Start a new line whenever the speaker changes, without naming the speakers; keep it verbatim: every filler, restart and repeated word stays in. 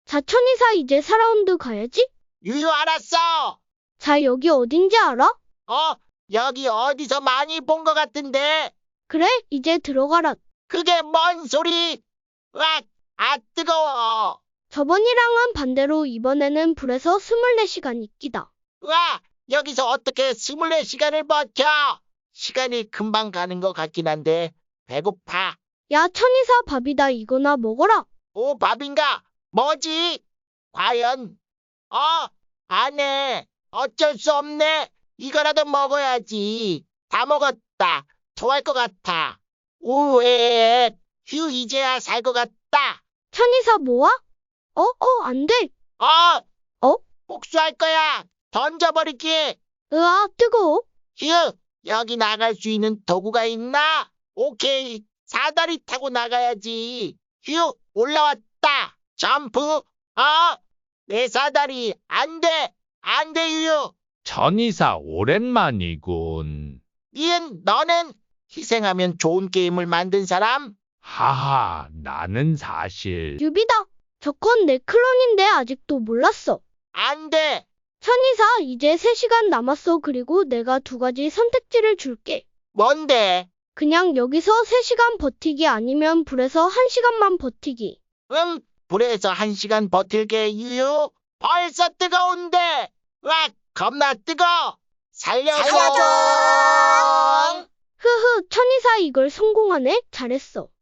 자, 천이사 이제 사 라운드 가야지?
유유 알았어.
자, 여기 어딘지 알아?
어, 여기 어디서 많이 본 것 같은데.
그래, 이제 들어가라.
그게 뭔 소리? 와, 아 뜨거워.
저번이랑은 반대로 이번에는 불에서 이십사 시간 있기다.
와, 여기서 어떻게 이십사 시간을 버텨? 시간이 금방 가는 것 같긴 한데 배고파.
야, 천이사 밥이다. 이거나 먹어라.
오, 밥인가? 뭐지? 과연? 어, 안 해. 어쩔 수 없네. 이거라도 먹어야지. 다 먹었다. 토할 것 같아. 우에, 휴, 이제야 살 것 같다.
천이사 뭐야? 어, 어, 안 돼.
어,
어?
복수할 거야. 던져버리기.
으아, 뜨거워.
휴, 여기 나갈 수 있는 도구가 있나? 오케이. 사다리 타고 나가야지. 휴, 올라왔다. 점프. 어, 내 사다리. 안 돼. 안 돼, 유유.
천이사 오랜만이군.
니은, 너는 희생하면 좋은 게임을 만든 사람?
하하, 나는 사실
유비다. 저건 내 클론인데 아직도 몰랐어.
안 돼.
천이사, 이제 세 시간 남았어. 그리고 내가 두 가지 선택지를 줄게.
뭔데?
그냥 여기서 세 시간 버티기 아니면 불에서 한 시간만 버티기.
응, 불에서 한 시간 버틸게, 유유. 벌써 뜨거운데. 와, 겁나 뜨거. 살려줘.
흐흐, 천이사 이걸 성공하네. 잘했어.